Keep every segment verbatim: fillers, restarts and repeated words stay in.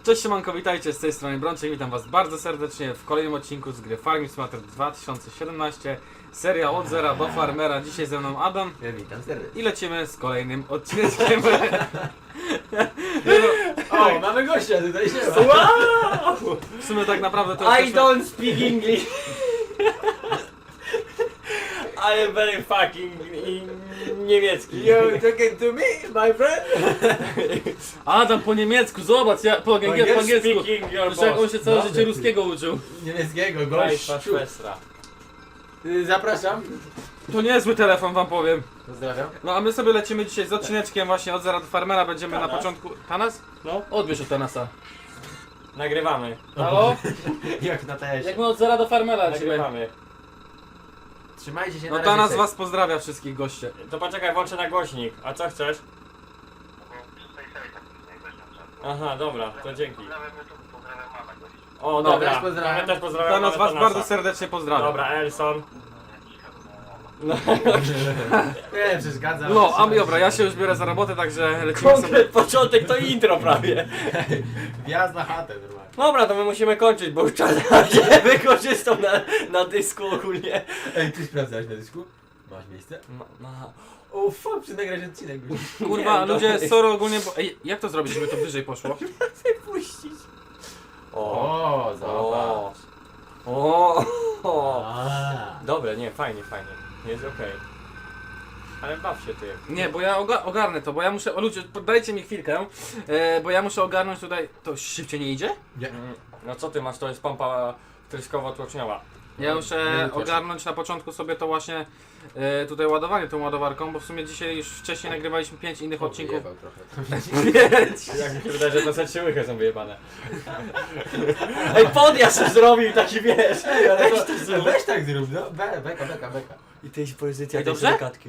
Cześć siemanko, witajcie z tej strony Brączek, witam was bardzo serdecznie w kolejnym odcinku z gry Farming Simulator dwa tysiące siedemnaście. Seria od zera do farmera, dzisiaj ze mną Adam. Ja witam serdecznie. I lecimy z kolejnym odcinkiem. O, mamy gościa tutaj się ma. Wow! W sumie tak naprawdę to I jesteśmy... don't speak English. I am very fucking in niemiecki. You talking to me, my friend? Adam po niemiecku, zobacz, ja po, angiel, po angielsku. Speaking your Przecież jak on się całe Dobry. życie ruskiego uczył. Niemieckiego Państwa gościu. Szwestra. Y, Zapraszam. To niezły telefon, wam powiem. Pozdrawiam. No a my sobie lecimy dzisiaj z odcineczkiem właśnie od zera do farmera, będziemy na Tanas? początku... Tanas? No, Odbierz od Tanasa. nagrywamy. Halo? Jak na tesie. Jak my od zera do farmera lecimy. Nagrywamy. Trzymajcie się No na Tanas razie. was pozdrawia wszystkich goście. To poczekaj, włączę na głośnik. A co chcesz? Aha, dobra, to dzięki. O, No, dobra. też pozdrawiam. Ja też pozdrawiam. Tanas was Tanasa. bardzo serdecznie pozdrawia. Dobra, Elson. No, Nie, przeszkadza. No, a dobra, ja się już biorę za robotę, także lecimy sobie. konkret początek to intro prawie. Wjazd na chatę normalnie. Dobra, to my musimy kończyć, bo już czas nie wykorzystał na, na dysku ogólnie. Ej, ty sprawdzałeś na dysku? Masz miejsce? Ma, ma. O fuck, przy nagrać odcinek. Kurwa, Nie, ludzie, no. sorry ogólnie, bo... Ej, jak to zrobić, żeby to wyżej poszło? Puścić. O, zobacz. O. O. A. Dobre, nie, fajnie, fajnie. Jest okej. Ale baw się ty. Nie, bo ja oga ogarnę to, bo ja muszę... O ludzie, dajcie mi chwilkę, e, bo ja muszę ogarnąć tutaj... To szybciej nie idzie? Nie. Mm, No co ty masz, to jest pompa tryskowo-tłoczniowa. Ja muszę No i też. ogarnąć na początku sobie to właśnie e, tutaj ładowanie tą ładowarką, bo w sumie dzisiaj już wcześniej nagrywaliśmy pięć innych odcinków. Wyjebał trochę. Pięć! Jak mi się wydaje, że to set łychy są wyjebane. Ej, podjazd zrobił taki, wiesz. Ej, ale Weź to, to zrób. weź tak zrób, no. Be, beka, beka, beka. I to jest pozycja Ej, tej dobrze? silikatki.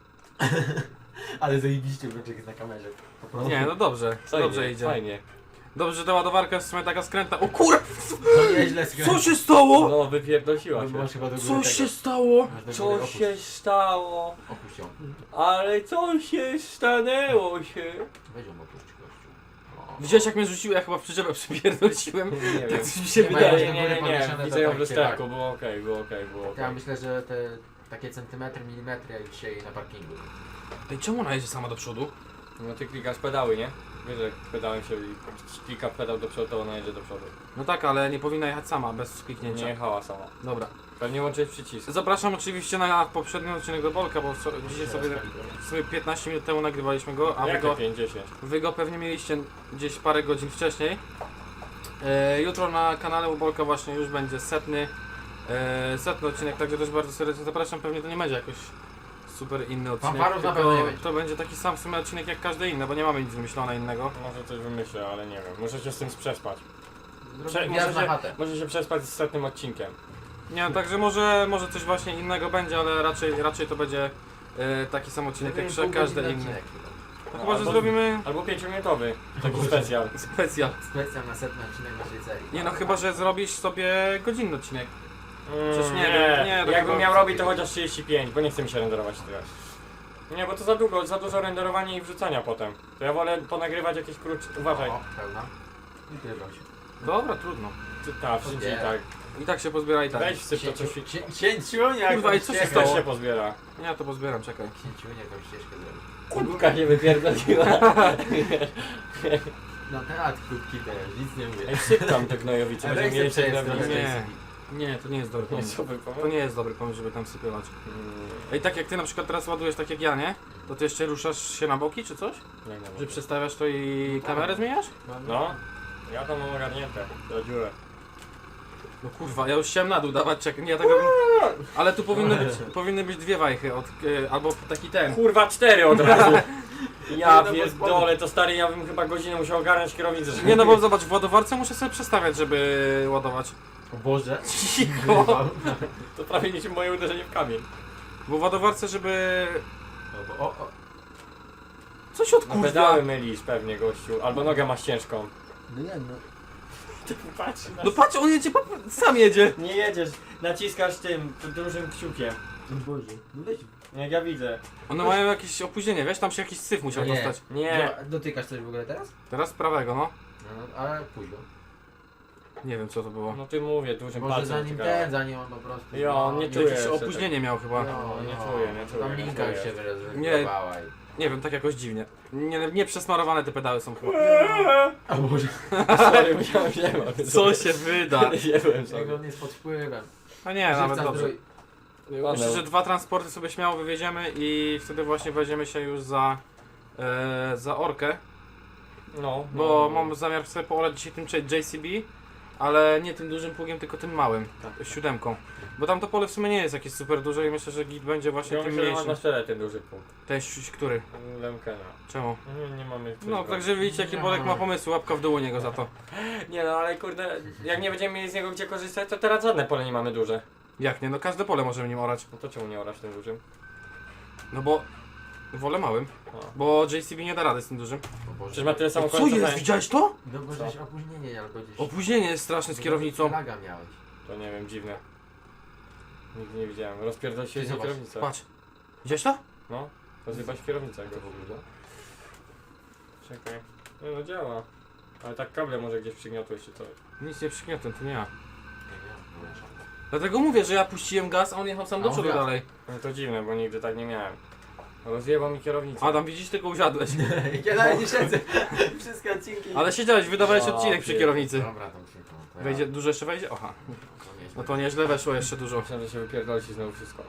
Ale zajebiście, Brączek jest na kamerze. Po prostu. Nie, no dobrze, Fajnie, dobrze idzie. Fajnie. Dobrze, że ta ładowarka jest w sumie taka skrętna. O kurwa! To nieźle skręca. Co się stało? No, wypierdolsiła No, się. masz chyba do góry Co tego. się stało? Masz do góry Co opuść. się stało? Opuść ją. Ale co się stanęło się? Weź ją opuść, gościu. O. Widziałeś jak mnie rzuciło? Ja chyba w przyczepę przypierdoliłem. Nie Tak wiem. coś mi się Nie, wydaje. Nie, nie, nie, nie, podniesione widzę to ją tak w się lusterku, tak. było okej, było okej, było okej. Ja myślę, że te takie centymetry, milimetry jak dzisiaj na parkingu. Ej, czemu ona jedzie sama do przodu? No ty klikasz pedały, nie? Wiesz, że pedałem się i klika pedał do przodu, to ona jedzie do przodu. No tak, ale nie powinna jechać sama, bez kliknięcia. Nie jechała sama. Dobra. Pewnie łączyć przycisk. Zapraszam oczywiście na poprzedni odcinek do Bolka, bo so, dzisiaj sobie, sobie piętnaście minut temu nagrywaliśmy go, a wy Jak go, to pięćdziesiąt? wy go pewnie mieliście gdzieś parę godzin wcześniej. E, jutro na kanale u Bolka właśnie już będzie setny, e, setny odcinek, także też bardzo serdecznie zapraszam. Pewnie to nie będzie jakoś super inny odcinek, Fanfarów na pewno tylko nie będzie. to będzie taki sam w sumie odcinek jak każdy inny, bo nie mamy nic wymyślone innego. Może coś wymyślę, ale nie wiem. Muszę się z tym przespać. Prze Zrobię muszę, wjazd na się, chatę. muszę się przespać z setnym odcinkiem. Nie, no, także może, może coś właśnie innego będzie, ale raczej, raczej to będzie e, taki sam odcinek jak Zrobimy pół każdy godziny inny. odcinek chyba. No No, chyba, że albo- zrobimy Albo pięciominutowy. Taki specjal. specjal. Specjal na setny odcinek naszej serii. Nie no, chyba że zrobisz sobie godzinny odcinek. Przecież nie nie, wiem, nie, to Jakbym chyba- miał robić to chociaż trzydzieści pięć, bo nie chce mi się renderować teraz. Nie, bo to za długo, za dużo renderowania i wrzucania potem. To ja wolę ponagrywać jakieś krótsze. Uważaj. O, pełna. I pierdol się. Dobra, trudno. Ty, ta, wszędzie i Nie. tak. I tak się pozbiera i tak. Weź wsyp to coś. Księciunia, Kurwa, i co się Też stało? się pozbiera. Ja to pozbieram, czekaj. Księciunia jakąś ścieżkę zrobić. Kubka nie wypierdoliła. Na teatr kubki teraz, nic nie mówię. Ej, wsyp tam te gnojowice, Ale będziemy jak mieli chcę się przejeść drewno. trochę. Nie, nie, to nie jest dobry Nie, pomysł. co wy To pomysł? nie jest dobry pomysł, żeby tam sypywać. Mm, Ej, tak jak ty na przykład teraz ładujesz tak jak ja, nie? To ty jeszcze ruszasz się na boki czy coś? nie, nie, nie. Że przestawiasz to i kamerę zmieniasz? No, ja tam mam ogarnięte, do dziurę. No kurwa, ja już chciałem na dół dawać, czekaj, nie, ja tego... Ale tu powinny być, powinny być dwie wajchy, od, e, albo taki ten. Kurwa, cztery od razu. Ja Nie, no bo pierdolę, to stary, ja bym chyba godzinę musiał ogarnąć kierownicę. żeby- Nie no bo zobacz, w ładowarce muszę sobie przestawiać, żeby ładować. O Boże. Cicho! To prawie niczym moje uderzenie w kamień. Bo w ładowarce, żeby... O, o, o. Coś No odkurwia. pedały mylisz pewnie, gościu. Albo nogę masz ciężką. No nie, no. Ty patrz na... No patrz, on jedzie, po- sam jedzie. Nie jedziesz, naciskasz tym, tym dużym kciukiem. O Boże. No weź. Jak ja widzę. One mają jakieś opóźnienie, wiesz, tam się jakiś syf musiał No nie. dostać. Nie. Dotykasz coś w ogóle teraz? Teraz z prawego, no. No, ale późno. Nie wiem co to było. No ty mówię, dużym Może palcem zanim dotykałem. ten, zanim on po prostu... Jo, on nie no, czuje. Jakieś jeszcze opóźnienie miał chyba. No, nie no. czuję, nie czuję, Tam nie linka już czuję. się wyregulowała i... Nie wiem, tak jakoś dziwnie. Nie, nie przesmarowane te pedały są chyba. A może... Sorry, musiałem nie Co się wyda? Nie byłem Jak sobie. on jest pod wpływem. A nie, nawet Żywca dobrze. zdrój- Myślę, że dwa transporty sobie śmiało wywieziemy i wtedy właśnie weźmiemy się już za, e, za Orkę, No, bo no. mam zamiar sobie poolać dzisiaj tym J C B, ale nie tym dużym pługiem, tylko tym małym, Tak. siódemką. Bo tam to pole w sumie nie jest jakieś super duże i myślę, że git będzie właśnie Ja tym myślę, że masz mniejszym. na czele ten duży punkt. Ten ś- który? Lemkena. Czemu? Nie, nie mamy... coś No, go- także widzicie jaki Bolek ma pomysł, łapka w dół u niego za to. Nie no, ale kurde, jak nie będziemy mieli z niego gdzie korzystać, to teraz żadne pole nie mamy duże. Jak nie? No każde pole możemy nim orać. No to czemu nie orasz tym dużym? No bo wolę małym, No. bo J C B nie da rady z tym dużym. O Boże. Przecież ma tyle samo Co końca, jest? co Widziałeś to? No bo Co? żeś opóźnienie albo gdzieś... Opóźnienie jest straszne z kierownicą. Laga miałeś. To nie wiem, dziwne. Nigdy nie widziałem. Rozpierdol się Ty z zobacz, kierownicę. Patrz. Widziałeś to? No, rozjebać kierownicę Jak go. to wygląda? Czekaj. Nie no, działa. Ale tak kable może gdzieś przygniotłeś czy coś. Nic nie przygniotłem, to nie ja. Nie wiem, nie wiem. Dlatego mówię, że ja puściłem gaz, a on jechał sam A do on przodu wiatr. dalej. No to dziwne, bo nigdy tak nie miałem. Rozjebał mi kierownicę. Adam, widzisz, tylko usiadłeś. Ja nawet nie siedzę. Wszystkie odcinki. Ale siedziałeś, wydawałeś O, odcinek przy pier- kierownicy. Dobra, tam się to ja- Wejdzie, dużo jeszcze wejdzie? Aha. to nieźle. No to nieźle weszło jeszcze dużo. Myślałem, że się wypierdoli ci znowu wszystko.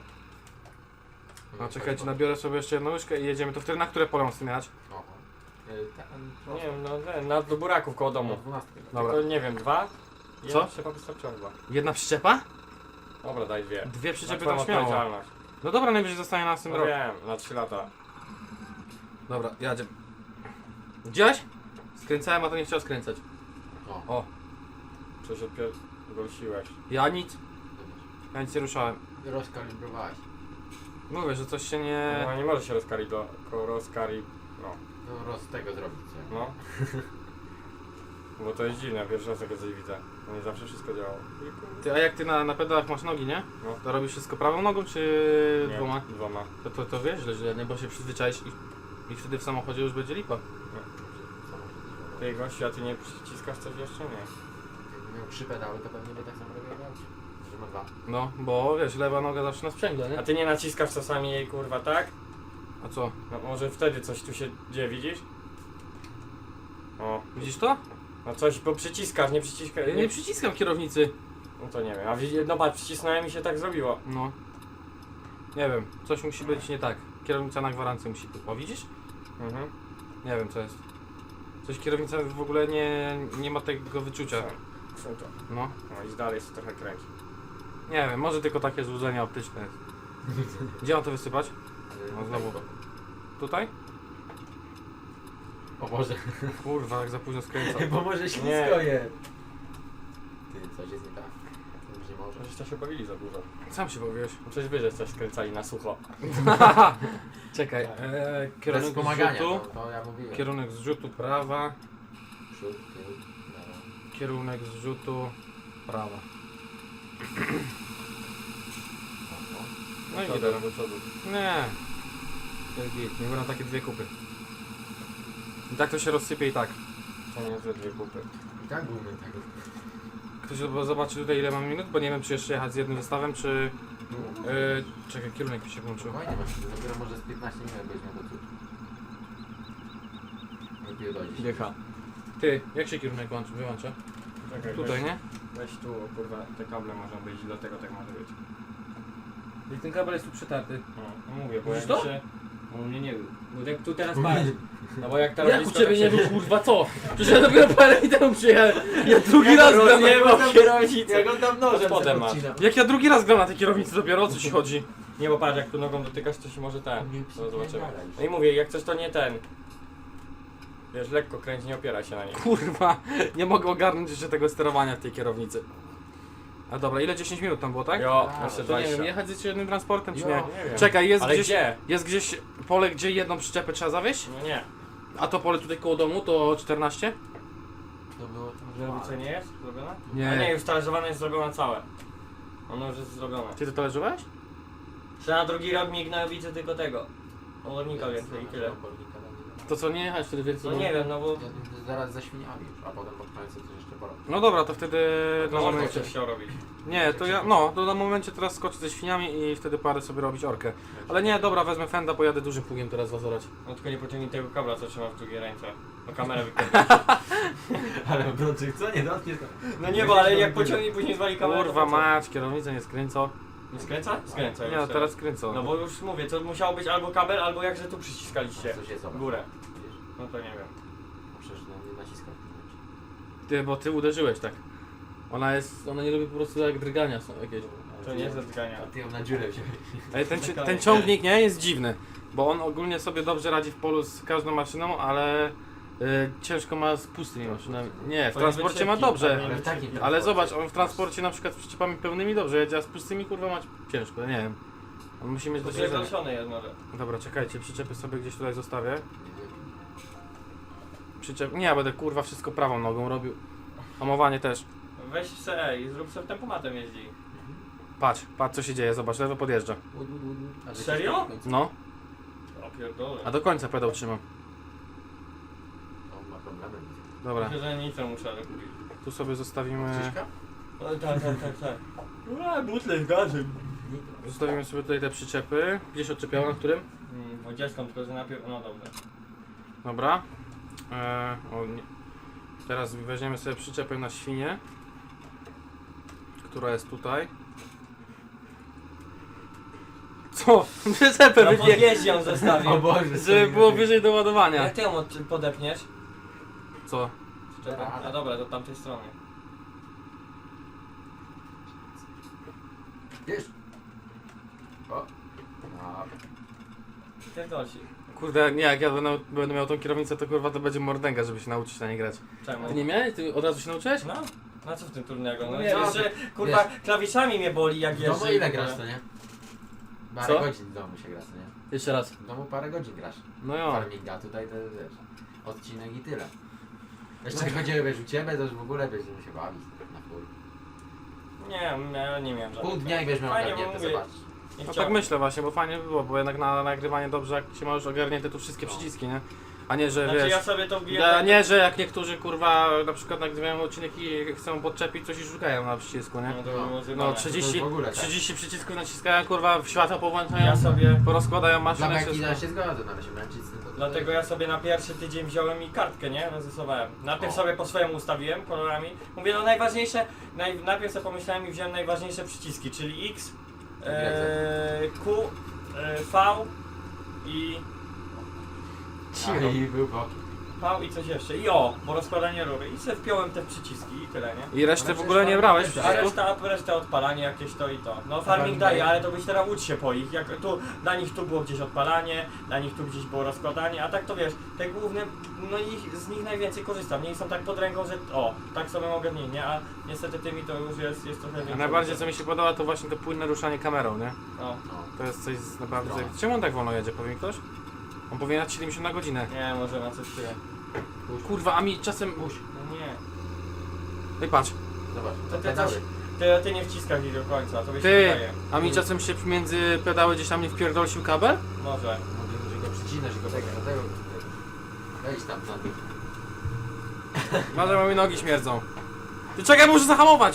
A czekajcie, nabiorę sobie jeszcze jedną łyżkę i jedziemy. To wtedy na które pole mam zmieniać? Oho. Y, ten- Nie wiem, no ten, na do buraków koło No, domu. dwunastkę. Dobra. Tylko nie wiem, dwa? Co? Jedna przyczepa wystarczyła chyba. Jedna przyczepa? Dobra, daj dwie. Dwie Na przyczepy twoją tam śmiało. odpowiedzialność. No dobra, najwyżej zostanie na tym No rok. wiem, na trzy lata. Dobra, jadzie. Widziałeś? Skręcałem, a to nie chciał skręcać. O, O, Coś odpierdolsiłeś. ja nic, zobacz. ja nic nie ruszałem. Rozkalibrowałeś. Mówię, że coś się nie... No nie może się rozkari do... ko- rozkari... no. No roz tego zrobić. co? No. Bo to jest dziwne, pierwszy raz takie coś widzę. No nie zawsze wszystko działało. Ty, a jak ty na, na pedałach masz nogi, nie? No. To robisz wszystko prawą nogą, czy Nie, dwoma? Dwoma. To, to, to wiesz, że źle, nie? Bo się przyzwyczaisz i, i wtedy w samochodzie już będzie lipa. Ty gościu, a ty nie przyciskasz coś jeszcze? Nie. Jakby miał trzy pedały, to pewnie by tak samo robił jak aucie. Że ma dwa. No, bo wiesz, lewa noga zawsze na sprzęgle, A nie? ty nie naciskasz czasami jej kurwa, tak? A co? No może wtedy coś tu się dzieje, widzisz? O, Widzisz to? no coś, bo przyciskasz, nie przyciskasz. Ja nie przyciskam kierownicy. No to nie wiem, a widzi- no patrz, przycisnąłem i się tak zrobiło. No. Nie wiem, coś musi być nie tak. Kierownica na gwarancję musi być. O, widzisz? Mhm. Nie wiem co jest. Coś kierownica w ogóle nie, nie ma tego wyczucia. Co to? No. No i dalej się trochę kręci. Nie wiem, może tylko takie złudzenie optyczne jest. Gdzie mam to wysypać? No znowu. Tutaj? O Boże. Kurwa, jak za późno skręcam. Bo może ślisko Nie. jest. Ty, coś jest nie tak. To już nie może. Żeście się bawili za dużo. Sam się powiesz. No coś wy, że coś skręcali na sucho. Czekaj, e, Bez kierunek wspomagania, zrzutu. to, to ja mówiłem. Kierunek zrzutu prawa. Przód, tył, lewo. Kierunek zrzutu prawa. Oho. No i To gitara. do przodu. Nie. Jest git, nie będą takie dwie kupy. I tak to się rozsypie i tak. To nie ze dwie kupy. I tak byłby tego. Ktoś zobaczy tutaj ile mam minut, bo nie wiem czy jeszcze jechać z jednym zestawem, czy... No. Yy, czekaj, kierunek mi się włączył. Spokojnie masz, dopiero może z piętnaście minut będziesz miał do cudu. Lepiej dojdziesz. Dycha. Ty, jak się kierunek włączy, wyłącza? Czekaj, Tutaj, weź, nie? weź tu, o kurwa, te kable mogą być i dlatego tak może być. I ten kabel jest tu przytarty. No, no mówię, bo Widzisz jak to? się... U mnie nie był. Bo jak tu teraz patrz. No bo jak teraz Jak u blisko, ciebie tak nie się- był, kurwa, co? Przecież ja dopiero parę dni temu przyjechałem. Ja drugi raz gram na... rozjebał kierownicę. Jak on tam nożem Spodem se masz. podcina. Jak ja drugi raz gram na tej kierownicy dopiero, o co ci chodzi? Nie, bo patrz, jak tu nogą dotykasz, to się może ten. Nie To zobaczymy. przypierdalaj. No i mówię, jak coś to nie ten. Wiesz, lekko kręć, nie opieraj się na niej. Kurwa, nie mogę ogarnąć jeszcze tego sterowania w tej kierownicy. A dobra, ile? dziesięć minut tam było, tak? Jo, A, jeszcze To nie wiem, dwadzieścia. jechać z jeszcze jednym transportem, czy Jo, nie? Nie wiem. Czekaj, jest Ale gdzieś, gdzie? jest gdzieś pole, gdzie jedną przyczepę trzeba zawieźć? No nie. A to pole tutaj koło domu to czternaście? To było to Żerowice nie jest zrobiona? Nie. A nie, już talerzowane jest zrobione całe. Ono już jest zrobione. Ty to talerzyłeś? Że na drugi rok mignął, widzę tylko tego. Olornika więcej i tyle. To co, nie jechać wtedy więcej? No nie wiem, no bo... Zaraz ze świniami już, a potem pod koniec coś jeszcze porobić. No dobra, to wtedy na No momencie. coś chciał robić. Nie, to ja, no, to na momencie teraz skoczę ze świniami i wtedy parę sobie robić orkę. Ale nie, dobra, wezmę fenda, pojadę dużym pługiem teraz was orać. No tylko nie pociągnij tego kabla, co trzyma w drugiej ręce. No kamerę wykręcić. Ale Brączyk, co? Nie dotkniesz go. No nie, bo ale jak pociągnie później zwali kamerę. Kurwa to po co? mać, kierownicę nie skręcą. Nie skręca? Skręca już Nie, no teraz skręcą. No bo już mówię, to musiało być albo kabel, albo jakże tu przyciskaliście. Coś jest, W górę. Widzisz? No to nie wiem. Przecież no, nie naciskam w tym momencie. Ty, bo ty uderzyłeś tak. Ona jest, ona nie lubi po prostu jak drgania są jakieś. To nie jest zatkania. A ty ją na dziurę wziąłeś. Ej, ten, ci- ten ciągnik nie jest dziwny, bo on ogólnie sobie dobrze radzi w polu z każdą maszyną, ale y, ciężko ma z pustymi maszynami. Nie, w Powinien transporcie być ma szybki, dobrze. ale Ale w takim Ale transporcie. zobacz, on w transporcie na przykład z przyczepami pełnymi dobrze jedzie, a z pustymi kurwa ma ciężko, nie wiem. On musi mieć To doświadczenie. przegląszony jest może. Dobra, czekajcie, przyczepy sobie gdzieś tutaj zostawię. Nie wiem. Przyczep... Nie, ja będę kurwa wszystko prawą nogą robił. Hamowanie też. Weź se i zrób sobie tempomatem jeździ. Patrz, patrz co się dzieje, zobacz, lewo podjeżdża. Łud, łud, łud. A że Serio? się w końcu- No, O pierdolę. a do końca pedał trzymam. On ma problemy. Dobra, Myślę, że nic nie muszę ale kupić. tu sobie zostawimy... Krzyżka? O, tak, tak, tak, tak. Ura, butle z gazem. Zostawimy sobie tutaj te przyczepy. Gdzieś odczepiała, na którym? Mm, dwudziestką, tylko że najpierw... No dobrze. Dobra. Eee, o, nie. Teraz weźmiemy sobie przyczepę na świnię, która jest tutaj. Co? Przyczepę Na wybiegł, podjeździe ją zostawił. O Boże, żeby sobie było lepiej. wyżej do ładowania. Jak ty ją od- podepniesz? Co? Czekaj. A dobra, do tamtej strony. Wiesz? O. No. Pierdolci. Kurde, nie, jak ja będę, będę miał tą kierownicę, to kurwa to będzie mordęga, żeby się nauczyć na nie grać. Czemu? Ty nie miałeś? Ty od razu się nauczyłeś? No? Na co w tym trudnego? No Nie, nie, no, jeszcze kurwa klawiszami mnie boli jak W jeżdżę. domu ile grasz, to nie? Parę Co? godzin w domu się gra, to nie? Jeszcze raz. W domu parę godzin grasz. No jo. Farminga, tutaj to wiesz, odcinek i tyle. Jeszcze jak będziemy wiesz u ciebie, to już w ogóle będziemy się bawić na chuj. Nie, ja nie miałem Pół żadnych. dnia i weźmiemy Fajnie, bo ogarnięte, mówię, zobaczysz. Nie No tak chciałem. myślę właśnie, bo fajnie by było, bo jednak na nagrywanie dobrze, jak się ma już ogarnięte tu wszystkie No. przyciski, nie? A nie, że Znaczy wiesz... ja sobie to wbiję. Ja, tak- nie, że jak niektórzy kurwa na przykład nagrywają odcinek i chcą podczepić coś i szukają na przycisku, nie? No to było No zjebane. trzydzieści, w ogóle tak. trzydzieści przycisków naciskają, kurwa w światła powłączają, Ja sobie. porozkładają Dla maszynę, Mekina wszystko. się zgodzę, no ale się męczyć z tym to... Dlatego ja sobie na pierwszy tydzień wziąłem i kartkę, nie? Rozrysowałem. Najpierw O. sobie po swojemu ustawiłem kolorami. Mówię, no najważniejsze, naj, najpierw sobie pomyślałem i wziąłem najważniejsze przyciski, czyli X, e, Q, e, V i Cicho i był boki. V i coś jeszcze. I O, bo rozkładanie rury. I sobie wpiąłem te przyciski i tyle, nie? I resztę Ale w ogóle nie przecież brałeś farming A przycisków? reszta, a reszta odpalanie jakieś to i to. No farming farming daje, daje? ale to byś teraz ucz się po ich. Jak tu, dla nich tu było gdzieś odpalanie, dla nich tu gdzieś było rozkładanie, a tak to wiesz, te główne, no ich, z nich najwięcej korzystam. Nie są tak pod ręką, że o, tak sobie mogę nie, nie, a niestety tymi to już jest, jest trochę A więcej. najbardziej co mi się podoba to właśnie to płynne ruszanie kamerą, nie? No, No. To jest coś z naprawdę... Zdrowe. Czemu on tak wolno jedzie, powie mi ktoś? On powinien jechać siedemdziesiąt na godzinę. nie, może na coś tyle. Puść. Kurwa, a mi czasem... Puść. No nie. No i patrz, Zobacz, To to ty pedały. coś, ty, ty nie wciskasz ich do końca, to byś się ty, wydaje. a mi czasem się między pedały gdzieś tam nie wpierdolsił kabel? Może. Mówimy, że go przycinasz i go czekaj, dlatego... Wejdź tam na dół. Może bo mi nogi śmierdzą. Ty czekaj, muszę zahamować!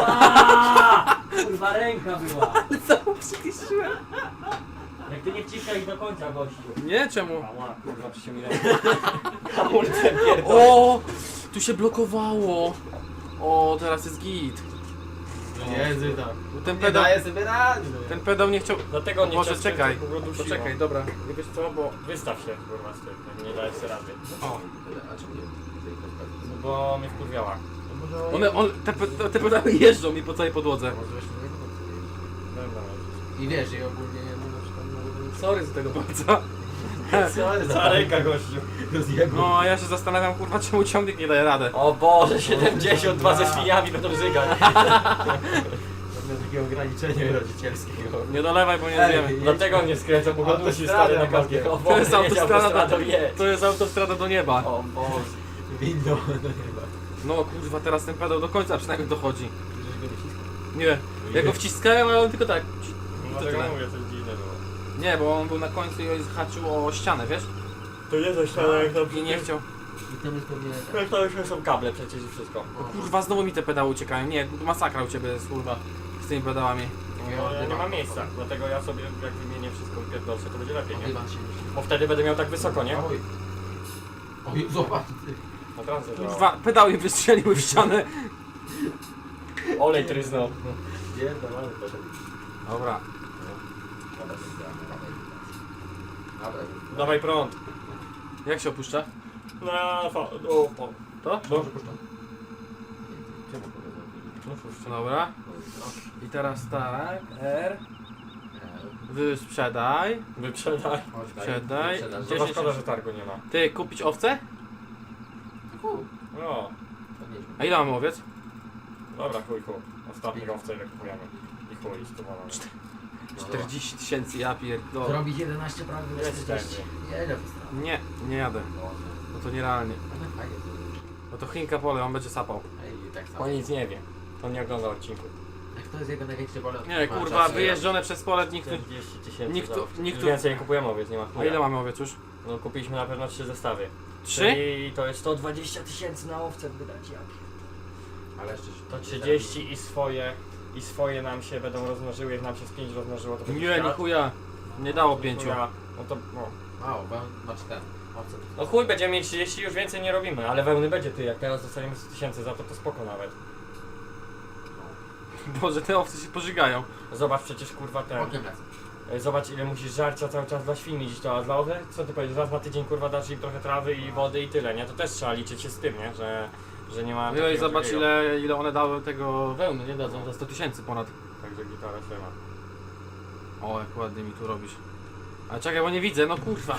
Kurwa ręka była. Co przyciszyłem? Jak ty nie wciskaj ich do końca, gościu. Nie, czemu? Ała, kurwa, przycie mi rękę. Hamulcem pierdolę. O, tu się blokowało. O, teraz jest git. Jezu, tak. Ten Nie pedał, daje sobie rady. ten pedał nie chciał... Dlatego nie Może chciał czekaj, skręcać, bo go to dusiło. czekaj, dobra. Nie wiesz co, bo... Wystaw się, kurwa, z tym, jak nie dajesz sobie rady. O, a czemu nie? Tutaj podpadł. No bo mnie wkurwiała. Może... One, on, te, pe- te pedały jeżdżą mi po całej podłodze. Może właśnie nie wiem. Dobra. I wiesz, i ogólnie, no na przykład... No, Sorry za tego palca. Sorry Cała ręka, gościu. Rozjebał. No, a ja się zastanawiam, kurwa, czemu ciągnik nie daje radę. O Boże, siedemdziesiąt dwa ze świniami będą żygać. Pewne takiego ograniczenia rodzicielskiego. Nie dolewaj, bo nie Ej, zjemy. jedź. Dlatego on nie skręca, bo go dusi Autostradę stary na na kapie. kapie. O To Boże, jest jedź autostrada autostradą, do, jedź. to jest autostrada do nieba. O Boże. Windą do nieba. No kurwa, teraz ten pedał do końca przynajmniej dochodzi. Przecież go wyciskał. Nie, ja go wciskałem, ale on tylko tak. Dlatego mówię, coś dziwne było. Nie, bo on był na końcu i on zahaczył o ścianę, wiesz? To nie coś tam jak to... I nie chciał. I to jest pewnie... Jak to już są kable przecież i wszystko. No kurwa, znowu mi te pedały uciekają. Nie, to masakra u ciebie jest, kurwa, z tymi pedałami. No, ja nie mam miejsca, dlatego ja sobie jak wymienię wszystko i pierdolę, to będzie lepiej, nie? Oddywan się Bo wtedy będę miał tak wysoko, nie? Oj. Oj, zobacz ty. Na transy, że... Kurwa, pedały wystrzeliły w ścianę. Olej tryznął. Pierdolony poszedł. Dobra. Dobra, dobra, dobra. Dawaj prąd. Jak się opuszcza? Na fa... O, po... To? Dobrze, puszczam. Dobra. I teraz tak, R. Wysprzedaj. Wyprzedaj. Sprzedaj. To dziesięć- szkoda, że targu nie ma. Ty, kupić owce? No, A ile mamy owiec? dobra, chuj, chuj. Ostatni owce ile kupujemy. I chuj, stuwana. czterdzieści tysięcy, ja pierdolę. Zrobić jedenaście prawie Ile czterdzieści. Ile wystarczy? Nie, nie jadę. No to nierealnie. Ale fajnie to zrobić. No to Chinka pole, on będzie sapał. Ej, i tak samo. On nic nie wie. On nie ogląda odcinku. Jak to jest jego największy pole? Nie, kurwa, wyjeżdżone przez pole, nikt tu... czterdzieści tysięcy nikt tu- za owce. nikt tu- Więcej nie kupujemy owiec, nie ma A chuja. ile mamy owiec już? No kupiliśmy na pewno trzy zestawy. Trzy? Czyli to jest sto dwadzieścia tysięcy na owce wydać, ja pierdolę. Ale jeszcze... To trzydzieści i swoje, i swoje nam się będą rozmnożyły, jak nam się z pięć rozmnożyło, to będzie Nie, nie świat. chuja. Nie dało pięciu. Chuja. No to, no. Mało, bo masz ten. Owce. No chuj, będziemy mieć trzydzieści, już więcej nie robimy, ale wełny będzie ty, jak teraz dostaniemy sto tysięcy za to, to spoko nawet. Boże, te owce się pożygają. Zobacz przecież kurwa ten, Okiem lecę. e, zobacz ile musisz żarcia cały czas dla świni dziś to, a dla owiec, co ty powiesz, raz na tydzień kurwa dasz im trochę trawy i wody i tyle, nie? To też trzeba liczyć się z tym, nie? Że, że nie ma No i takiego zobacz drugiego. ile, ile one dały tego wełny, nie dadzą za sto tysięcy ponad. Także gitara się ma. O, jak ładnie mi tu robisz. Ale czekaj, bo nie widzę, no kurwa.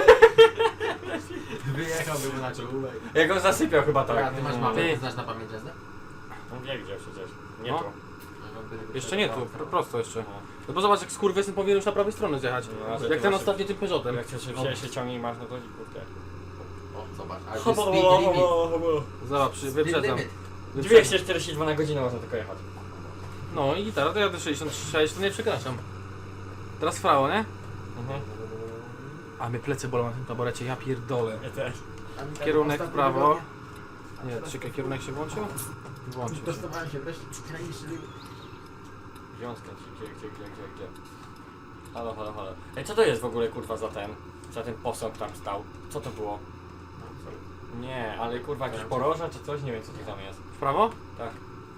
Wyjechałbym na czołówek. Jak on zasypiał chyba tak. Tak, ty masz mapę, Ty. ty znasz na pamięć jazdę? On wie gdzie przecież. Nie No. tu. Jeszcze nie tu, pro- prosto jeszcze. No. No bo zobacz, jak skurwysyn powinien już na prawej stronie zjechać. No, a że Jak ty ten masz- ostatni tym Peugeotem. Jak chcesz się, się ciągnie masz, no to kurde. O, zobacz, ale to jest speed limit. Zobacz, przy- Speed wyprzedzam. limit. Wyprzedzam. dwieście czterdzieści dwa na godzinę można tylko jechać. No i gitara, to jadę sześćdziesiąt sześć, to nie przekraczam. Teraz frało, nie? Mhm. A mnie plecy bolą na tym taborecie, ja pierdolę. Ja też. Kierunek w Ostatnio prawo. wygodnie. Nie, czekaj, kierunek się włączył? Włączył się. Dostawałem się wreszcie graniczny limit. Gdzie on skręci? Gdzie, gdzie, gdzie, gdzie, gdzie? Halo, halo, halo. Ej, co to jest w ogóle kurwa za ten? Za ten posąg tam stał? Co to było? No, sorry. Nie, ale kurwa jakieś poroża czy coś? Nie wiem co to tam jest. W prawo? Tak,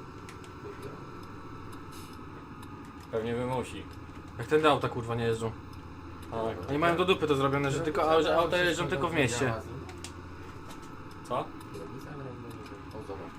pewnie wymusi. Jak ten auta kurwa nie jeżdżą. Tak. Oni mają do dupy to zrobione, że tylko a- że auta jeżdżą tylko w mieście. Co? O, zobacz,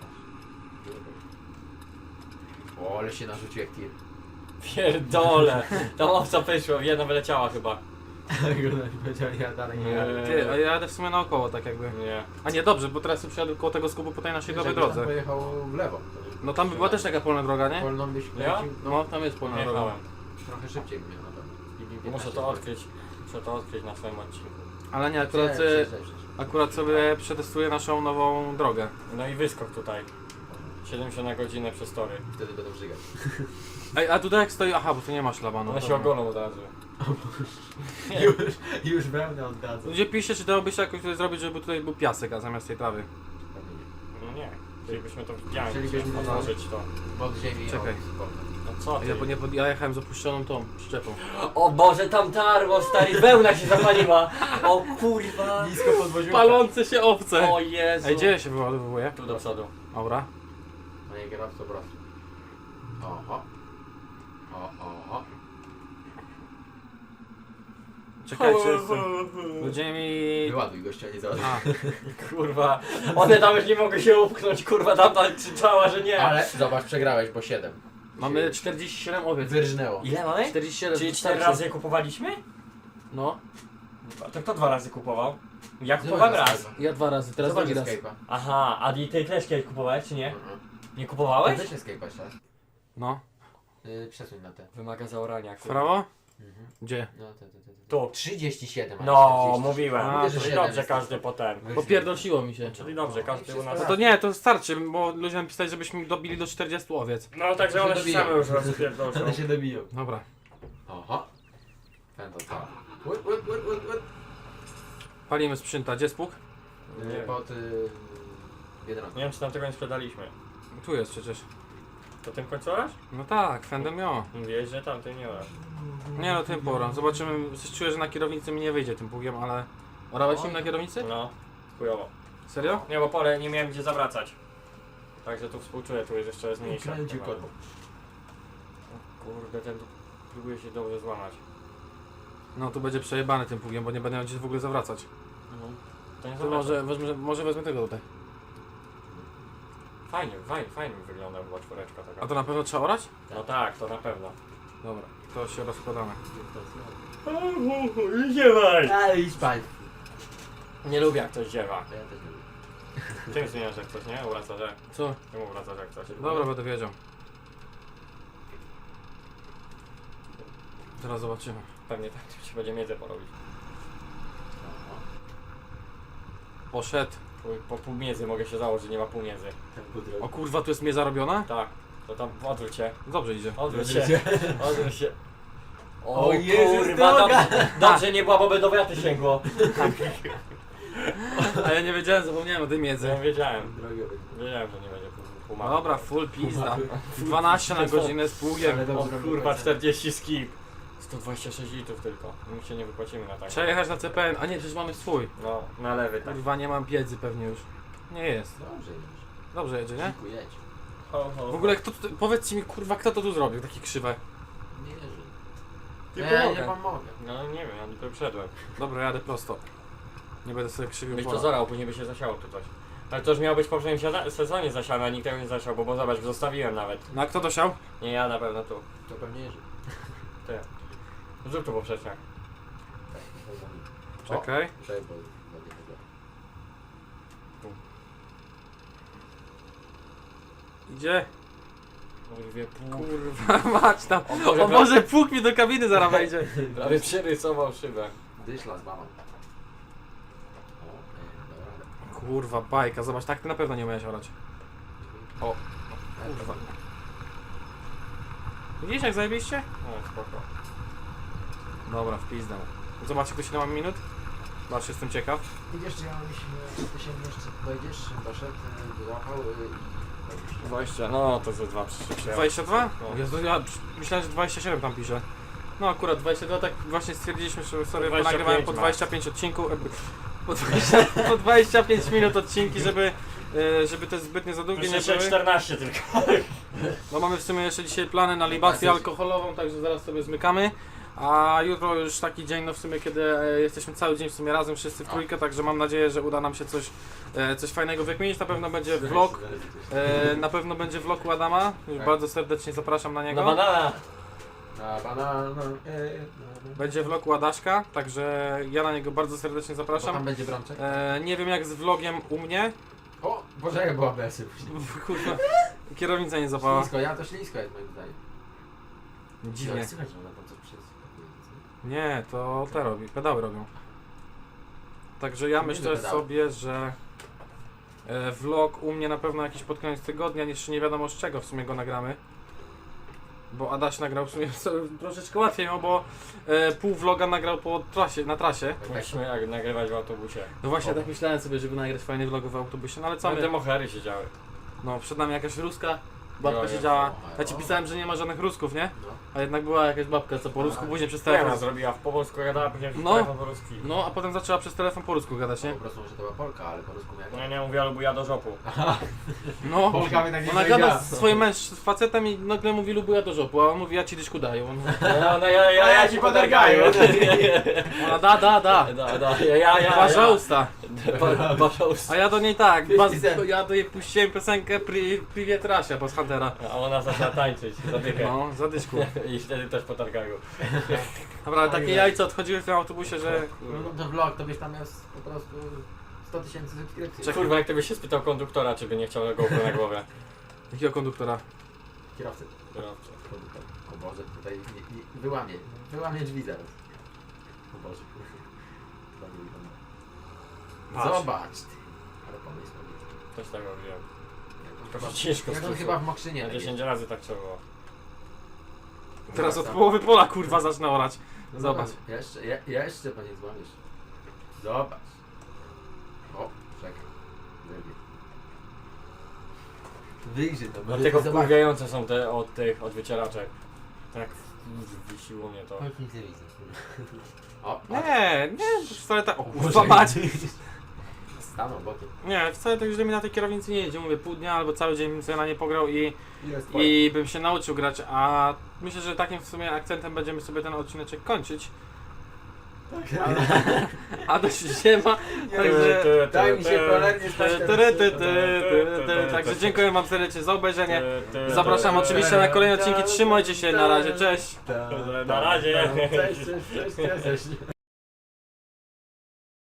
patrz. O, ale się narzucił jak tir. Pierdole! Tam owca wyszła, jedna wyleciała chyba. Powiedział, ja dalej nie Nie. jadę. Ty, a ja jadę w sumie naokoło tak jakby. Nie. A nie, dobrze, bo teraz przyjadę koło tego skupu po tej naszej dobrej Jakbyś tam drodze. pojechał w lewo. No tam by była też taka polna droga, nie? Polną byś Ja? lecił, No, tam jest polna Nie droga. jechałem. trochę szybciej bym miał na pewno. Speed limit Muszę piętnaście to odkryć. Muszę to odkryć na swoim odcinku. Ale nie, akurat, Cześć, e, cześć, cześć, cześć. akurat sobie przetestuję naszą nową drogę. No i wyskok tutaj. siedemdziesiąt na godzinę przez tory. Wtedy będą żygać. Ej, a tutaj jak stoi, aha, bo tu nie ma szlabanu. One się dobra. ogolą od razu. Już, już wełnę oddadzą. Ludzie piszcie, czy dałoby się jakoś tutaj zrobić, żeby tutaj był piasek, a zamiast tej trawy. No nie. Chcielibyśmy to widziałem, Chcielibyśmy otworzyć to. Pod ziemi Czekaj. od sportu. No co ty? Ja, nie, pod- ja jechałem z opuszczoną tą przyczepą. O Boże, tam tarło, stary, wełna się zapaliła. O kurwa. Nisko podwoziłem. Palące się owce! O Jezu. Ej, gdzie się wyładowuje? Tu do przodu. Dobra. Panie kierowco, proszę. Oho. Oho. Czekajcie, jestem. Ludzie mi... Wyładuj gościa, nie załaduj. A, Kurwa. One tam już nie mogły się upchnąć, kurwa, tamta krzyczała, że nie. Ale zobacz, przegrałeś, bo siedem. mamy czterdzieści siedem owiec. Wyrżnęło. Ile mamy? czterdzieści siedem. Czyli cztery wystarczy. razy je kupowaliśmy? No, To kto dwa razy kupował? Ja kupowałem raz. ja dwa razy, teraz Zobacz drugi raz. Escape'a. Aha, a i tej też kiedyś kupowałeś, czy nie? Mhm. Nie kupowałeś? Weź Escape'a jeszcze raz. No, Yy, przesuń na te. Wymaga zaorania. w kurwa. prawo? Mhm. Gdzie? No, te, te, te, te. Tu. trzydzieści siedem. a No, czterdzieści. mówiłem. A, Czyli to dobrze siedem każdy jest. potem. Popierdolsiło mi się. Czyli dobrze, każdy u nas... No to nie, to starczy, bo ludzie nam pisali, żebyśmy dobili do czterdziestu owiec. No także To się one się dobiją. same już rozpierdolą. One się dobiją. Dobra. Oho. Ten to co? Łyp, łyp, łyp, łyp, łyp. Palimy sprzęta. Gdzie jest pług? Nie wiem. Pod y, Biedronką. Nie wiem, czy tam tego nie sprzedaliśmy. Tu jest przecież. To tym końcu orasz? No tak, Fendem jo. Mówiłeś, że tam ty nie orasz. Nie no, tym porą. Zobaczymy. Coś czuję, że na kierownicy mi nie wyjdzie tym pługiem, ale... Orałeś nim na kierownicy? No, chujowo. Serio? Nie, bo pole nie miałem gdzie zawracać. Także tu współczuję, tu jest jeszcze mniejsza. Kręci korbą. Kurde, ten tu próbuje się dobrze złamać. No tu będzie przejebany tym pługiem, bo nie będę miał gdzie w ogóle zawracać. To nie To zawraca. może wezmę, może wezmę tego tutaj. Fajnie, fajnie, fajnie wygląda chyba czwóreczka taka. A to na pewno trzeba orać? No tak, to na pewno. Dobra, to się rozkładamy. Ziewaj! Ale idź pań. Nie lubię jak ktoś ziewa. Ja też nie lubię. Czym zmieniasz jak coś, nie? Uracasz jak? Co? Czemu uracasz jak coś? Dobra, będę wiedział. Teraz zobaczymy. Pewnie tak się będzie miedzę porobić. Poszedł. Chuj, po pół miedzy mogę się założyć, nie ma pół miedzy. O kurwa, tu jest mnie zarobiona? Tak, to tam odwróć się. Dobrze idzie. Odwróć Odwróć się. się. Odwróć się. O Jezus, kurwa, droga! dobrze, dobrze nie było, bo by do wiaty sięgło. A ja nie wiedziałem, zapomniałem o tej miedzy. Ja wiedziałem, Drogę będzie. wiedziałem, że nie będzie pół, pół mapy. Dobra, full pizda. dwanaście na godzinę z pługiem. Ale O dobrze robię kurwa, końca. czterdzieści skip. sto dwadzieścia sześć litrów tylko. My się nie wypłacimy na tak. Trzeba jechać na C P N. A nie, przecież mamy swój. No, na lewy tak. Kurwa, nie mam wiedzy pewnie już. Nie jest. Dobrze już. Dobrze jedzie, nie? Dziękuję. Ho, ho, W ogóle kto tu, powiedzcie mi kurwa, kto to tu zrobił, takie krzywe. Nie wierzę. Nie Ja pomogę. nie pomogę. No nie wiem, ja dopiero wszedłem. Dobra, jadę prosto. Nie będę sobie krzywił Byś to pola. zorał, później by się zasiało tu coś. Ale to już miało być w poprzednim siada- sezonie zasiane, a nikt tego nie zasiał, bo, bo zobacz, zostawiłem nawet. No a kto dosiał? Nie ja na pewno tu. To pewnie Jerzy. Ty. Zrób to poprzeczniak. Tak, to za nim. Czekaj. O, Czekaj, bo ładnie to zrobię. Idzie. Kurwie, pół. Kurwa, mać tam. O Boże, O Boże, pług mi do kabiny zaraz wejdzie. Prawie przerysował szybę. Dyszla z mamą. O, ej, dobra, ale... Kurwa, bajka, zobacz, tak ty na pewno nie umiałeś orać. O, kurwa. Widzisz jak zajebiście? No spoko. Dobra, w pizdę. Zobaczcie, kto się mam minut? Patrz, jestem ciekaw. Idziesz, czy ja myślę, czy ty się jeszcze dojdziesz, doszedł, y, złapał y, i... dwadzieścia, no to ze dwa przyszedł. dwadzieścia dwa? No. Jezu, ja myślałem, że dwadzieścia siedem tam pisze. No akurat dwadzieścia dwa, tak właśnie stwierdziliśmy, że sobie dwadzieścia nagrywałem pięć po ma. dwadzieścia pięć odcinków, e, po, dwadzieścia, po dwadzieścia pięć minut odcinki, żeby, e, żeby te zbytnie za długie nie Jeszcze były. czternaście tylko. No mamy w sumie jeszcze dzisiaj plany na libację alkoholową, także zaraz sobie zmykamy. A jutro już taki dzień, no w sumie, kiedy e, jesteśmy cały dzień w sumie razem wszyscy w trójkę, także mam nadzieję, że uda nam się coś, e, coś fajnego wykminić. Na pewno będzie vlog, e, na pewno będzie vlog u Adama. Już Tak. bardzo serdecznie zapraszam na Na niego. banana. Na banana, e, Będzie vlog u Adaśka, także ja na niego bardzo serdecznie Bo tam zapraszam. będzie brączek. E, nie wiem jak z vlogiem u mnie. O, Boże, jak była besy później. Kurwa, kierownica nie zapała. Ślisko, ja to ślisko jest moim zdaniem. Dziwnie. Słychać, że ona tam coś przeskakuje. Nie, to te robi, pedały robią. Także ja Nie myślę pedały. sobie, że e, vlog u mnie na pewno jakiś pod koniec tygodnia, jeszcze nie wiadomo z czego w sumie go nagramy. Bo Adaś nagrał w sumie sobie troszeczkę łatwiej, no bo e, pół vloga nagrał po trasie, na trasie. Musimy jak nagrywać w autobusie. No właśnie tak myślałem sobie, żeby nagrać fajny vlog w autobusie, no ale co Tam my? te mohery siedziały. No przed nami jakaś ruska babka Jo, siedziała. jo. Ja ci pisałem, że nie ma żadnych rusków, nie? No. A jednak była jakaś babka, co po rusku A, później przez Co ona telefon. zrobiła? W po polsku gadała, później No. no. telefon po ruski. No a potem zaczęła przez telefon po rusku gadać, nie? Po prostu, że to była Polka, ale po rusku miała. Nie, nie mówię, ale buja do żopu. No, Polka by tak nie ona powiedziała. gada z swoim męż, z facetem i nagle mówi lubuja do żopu, a on mówi ja ci dyszku daję. On mówi, No, no ja, ja, ja ci podargaję. ona da, da, da. Da, da, ja, ja, ja. Pожалуйста. Pa- Paszałus. A ja do niej tak, baz, fifty cent. ja do niej puściłem piosenkę Pri, Privet Rasia, bo z Huntera. A ona zaczęła tańczyć, zadychę. No, za dyszku. I wtedy też potargają. Dobra, ale takie jajce odchodziły w tym autobusie, że... No to vlog, to byś tam miał s- po prostu sto tysięcy subskrypcji. Czy kurwa, jak ty byś się spytał konduktora, czy by nie chciał GoPro na głowie? Jakiego konduktora? Kierowcy. Kierowcy. Konduktor. O Boże, tutaj nie, nie, wyłamie, wyłamie drzwi zaraz. O Boże, kurwa. Nie wygląda. Patrz. Zobacz ty. Ale pomysł powiedz. Też tak robiłem. Jak Tylko on ciężko chyba, jak on stół. chyba w Mokrzynie. Na tak dziesięć jest. razy tak trzeba było. Teraz od Wraca. połowy pola kurwa zacznę orać. No Zobacz. Jeszcze, je, jeszcze panie złamiesz. Zobacz. Czekaj. Wyjdzie. Wyjrzy to, bo Dlatego zobacz. wkurwiające są te od tych, od wycieraczek. Tak wisiło mnie to. Chodź, nic nie widzę. O, Nie, nie, wcale tak. O kurwa mać! Stanął bokiem. Nie, wcale tak źle mi na tej kierownicy nie jedzie. Mówię, pół dnia albo cały dzień bym sobie na nie pograł i, Jest i bym się nauczył grać, a myślę, że takim w sumie akcentem będziemy sobie ten odcineczek kończyć. A dość się ma, także... Daj mi się cholernie Ty, stać ty, teraz. ty, ty, ty, ty. Także dziękuję wam serdecznie za obejrzenie. Zapraszam oczywiście na kolejne odcinki. Trzymajcie się, na razie, cześć! Tak, Na razie. Cześć, cześć, cześć, cześć.